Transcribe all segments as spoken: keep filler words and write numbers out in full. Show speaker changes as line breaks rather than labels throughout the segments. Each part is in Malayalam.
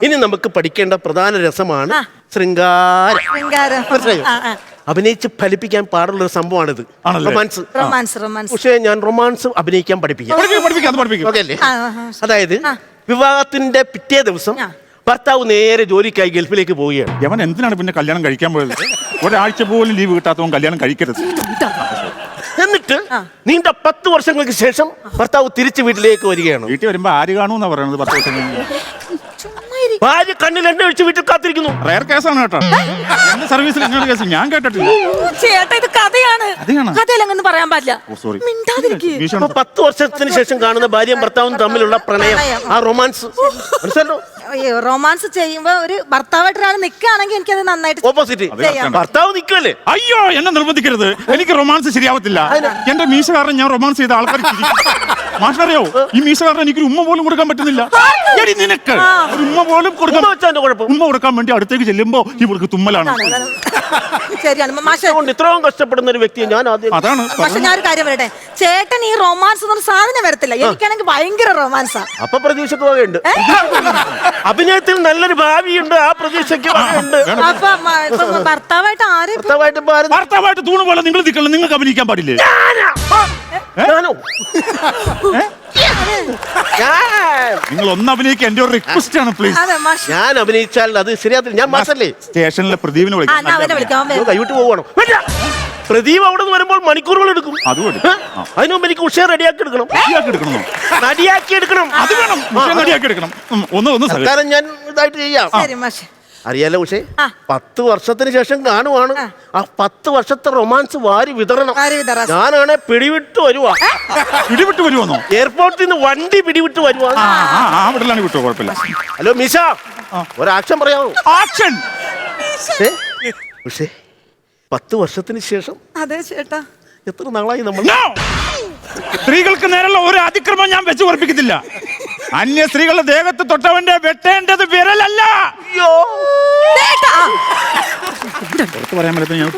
ഇനി നമുക്ക് പഠിക്കേണ്ട പ്രധാന രസമാണ് ശൃംഗാരം. അഭിനയിച്ച് ഫലിപ്പിക്കാൻ പാടുള്ള ഒരു സംഭവമാണിത്. റൊമാൻസ്.
റൊമാൻസ് റൊമാൻസ്
പക്ഷേ ഞാൻ റൊമാൻസ് അഭിനയിക്കാൻ പഠിപ്പിക്കാം. അതായത് വിവാഹത്തിന്റെ പിറ്റേ ദിവസം ഭർത്താവ് നേരെ ജോലിക്കായി ഗൾഫിലേക്ക് പോവുകയാണ്.
അവൻ എന്തിനാണ് പിന്നെ കല്യാണം കഴിക്കാൻ പോയത്? ഒരാഴ്ച പോലും ലീവ് കിട്ടാത്തവൻ കല്യാണം കഴിക്കരുത്.
എന്നിട്ട് നീണ്ട പത്ത് വർഷങ്ങൾക്ക് ശേഷം ഭർത്താവ് തിരിച്ച് വീട്ടിലേക്ക് വരികയാണ്.
വീട്ടിൽ വരുമ്പോ ആര് കാണൂന്നാ പറയുന്നത്? പത്ത് വർഷം കഴിഞ്ഞ്
ഭാര്യ കണ്ണിൽ എണ്ണ ഒഴിച്ച് വീട്ടിൽ കാത്തിരിക്കുന്നു.
റയർ കേസാണ് കേട്ടോ. എന്റെ സർവീസിൽ ഇങ്ങനെ കേസ് ഞാൻ കേട്ടിട്ടില്ല.
ചേട്ടാ ഇത് കഥയാണ്. കഥയിലങ്ങൊന്നും പറയാൻ പാടില്ല.
പത്ത് വർഷത്തിന് ശേഷം കാണുന്ന ഭാര്യയും ഭർത്താവും തമ്മിലുള്ള പ്രണയം, ആ റൊമാൻസ് മനസ്സിലോ?
റൊമാൻസ് ചെയ്യുമ്പോ ഒരു ഭർത്താവായിട്ട് ഒരാൾ നിൽക്കുകയാണെങ്കിൽ എനിക്കത് നന്നായിട്ട്
ഓപ്പോസിറ്റ് ഭർത്താവ് നിൽക്കുമല്ലേ?
അയ്യോ എന്നെ നിർബന്ധിക്കരുത്. എനിക്ക് റൊമാൻസ് ശരിയാവത്തില്ല. എന്റെ മീശ കാരണം ഞാൻ റൊമാൻസ് ചെയ്ത ആൾക്കാർ മാഷറിയോ? ഈ മീശ കാരണം എനിക്കൊരു ഉമ്മ പോലും കൊടുക്കാൻ പറ്റുന്നില്ല. നിനക്ക് ഒരു ഉമ്മ പോലും കൊടുക്കാൻ ഉമ്മ കൊടുക്കാൻ വേണ്ടി അടുത്തേക്ക് ചെല്ലുമ്പോ ഇവർക്ക് തുമ്മലാണ്.
ഇത്രയും കഷ്ടപ്പെടുന്ന ഒരു വ്യക്തിയെ ഞാൻ ആദ്യം.
അതാണ്.
പക്ഷെ ഞാൻ ഒരു കാര്യം പറയട്ടെ, ചേട്ടൻ ഈ റൊമാൻസ് എന്നൊരു സാധനം വരത്തില്ല. എനിക്കാണെങ്കിൽ ഭയങ്കര റൊമാൻസാ.
അപ്പൊ പ്രതീക്ഷക്ക് വകയുണ്ട്. അഭിനയത്തിൽ നല്ലൊരു ഭാവിയുണ്ട്. ആ പ്രതീക്ഷയ്ക്ക് വകയുണ്ട്.
ഭർത്താവായിട്ട് ആരും
ഭർത്താവായിട്ട് തൂണ് പോലെ നിങ്ങൾ നിൽക്കണം. നിങ്ങൾക്ക് അഭിനയിക്കാൻ പാടില്ലേ? നിങ്ങൾ ഒന്ന് അഭിനയിക്കാൻ എന്റെ ഒരു റിക്വസ്റ്റ് ആണ് പ്ലീസ്.
ഞാൻ അഭിനയിച്ചാൽ അത് ശരിയാത്തില്ല. ഞാൻ മാസല്ലേ
സ്റ്റേഷനിലെ പ്രദീപിനെ വിളിക്കാം.
കൈവിട്ട് പോകണം. പ്രദീപ് അവിടെ നിന്ന് വരുമ്പോൾ മണിക്കൂറുകൾ എടുക്കും. അതിനു മുമ്പ് എനിക്ക് ഉഷയെ റെഡിയാക്കി എടുക്കണം. റെഡിയാക്കി എടുക്കണം.
അത് വേണം. റെഡിയാക്കി എടുക്കണം. ഒന്ന് ഒന്ന്
സർക്കാരം ഞാൻ ഇതായിട്ട് ചെയ്യാം. അറിയാലോ ഉഷേ, പത്ത് വർഷത്തിന് ശേഷം കാണുവാണ്. ആ പത്ത് വർഷത്തെ റൊമാൻസ് വാരി വിതരണം. ഞാനാണെ പിടിവിട്ട് വരുവാ.
പിടിവിട്ട് വരുവാന്നോ?
എയർപോർട്ടിൽ നിന്ന് വണ്ടി പിടിവിട്ട് വരുവാ.
വിട്ടോ കുഴപ്പമില്ല.
ഹലോ മിഷ, ഒരു ആക്ഷൻ പറയാമോ?
ആക്ഷൻ.
ഉഷേ, പത്ത് വർഷത്തിന് ശേഷം.
അതെ ചേട്ടാ.
എത്ര നാളായി നമ്മൾ.
സ്ത്രീകൾക്ക് നേരെയുള്ള ഒരു അതിക്രമം ഞാൻ വെച്ച് ഉറപ്പിക്കത്തില്ല. അന്യ സ്ത്രീകളുടെ ദേഹത്ത് തൊട്ടവന്റെ വെട്ടേണ്ടത് വിരലല്ല. പറയാൻ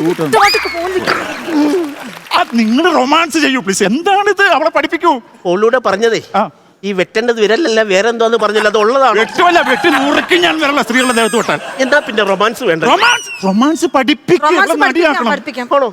നിങ്ങൾ റൊമാൻസ് ചെയ്യൂ പ്ലീസ്. എന്താണിത്? അവളെ പഠിപ്പിക്കൂ.
ഓളൂടെ പറഞ്ഞതേ ഈ വെട്ടേണ്ടത് വിരലല്ല വേറെ എന്തോന്ന് പറഞ്ഞില്ല. അത് ഉള്ളതാണ്.
വെട്ടുമല്ല, വെട്ടി നുറുക്കി ഞാൻ വരല്ല സ്ത്രീകളുടെ ദേഹത്ത് തൊട്ടാൽ.
എന്താ പിന്നെ റൊമാൻസ് വേണ്ട?
റൊമാൻസ് റൊമാൻസ് പഠിപ്പിക്കണം.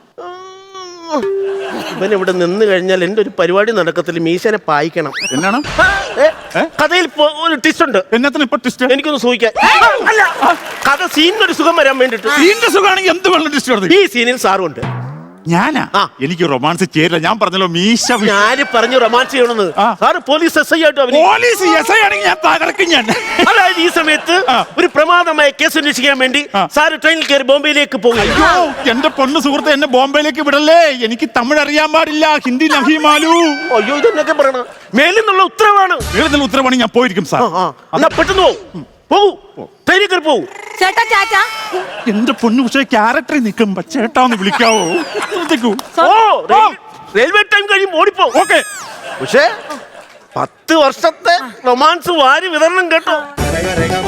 ഇവൻ ഇവിടെ നിന്ന് കഴിഞ്ഞാൽ എന്റെ ഒരു പരിപാടി നടക്കത്തില്ല. മീശനെ പായിക്കണം.
എന്നാണ്
കഥയിൽ ഒരു ട്വിസ്റ്റ് ഉണ്ട്.
എന്നത്തിന് ഇപ്പൊ ട്വിസ്റ്റ്?
എനിക്കൊന്ന് സൂഹിക്കാൻ. കഥ സീനിനൊരു സുഖം വരാൻ വേണ്ടിട്ട്.
സീനിന്റെ സുഖമാണെങ്കിൽ എന്ത് വെള്ളം ട്വിസ്റ്റ്?
ഈ സീനിൽ സാറുണ്ട്.
ഞാനാ? എനിക്ക് റൊമാൻസ് ചേരില്ല. ഞാൻ പറഞ്ഞല്ലോ മീശ.
ഞാൻ പറഞ്ഞു റൊമാൻസ് ചെയ്യണമെന്ന്. സാറ് പോലീസ് എസ് ഐ ആയിട്ട്.
പോലീസ് എസ് ഐ ആണെങ്കിൽ ഞാൻ തകർക്കും. ഞാൻ
അതായത് ഈ സമയത്ത് ഒരു പ്രമാദമായ കേസ് അന്വേഷിക്കാൻ വേണ്ടി സാറ് ട്രെയിനിൽ കയറി ബോംബെയിലേക്ക് പോകും.
അയ്യോ എന്റെ പൊണ്ണു സുഹൃത്ത്, എന്നെ ബോംബെയിലേക്ക് വിടല്ലേ. എനിക്ക് തമിഴ് അറിയാൻ പാടില്ല, ഹിന്ദി നഹിമാലു.
അയ്യോ ഇതെന്നൊക്കെ പറയണം. മേലിൽ നിന്നുള്ള ഉത്തരവാണ്.
മേലിൽ നിന്നുള്ള ഉത്തരവാണ്. ഞാൻ പോയിരിക്കും സാർ.
എന്നാ പെട്ടെന്ന് പോകും. പോകൂ, ട്രെയിനിൽ കയറി പോകൂ.
ചേട്ടാ ചേട്ടാ,
എന്റെ പൊന്നു പക്ഷേ ക്യാരക്ടറിൽ നിൽക്കുമ്പോ ചേട്ടാന്ന് വിളിക്കാവോ?
റെയിൽവേ ടൈം കഴിയും ഓടിപ്പോ.
ഓക്കെ.
പക്ഷേ പത്ത് വർഷത്തെ റൊമാൻസ് വാരി വിതരണം കേട്ടോ.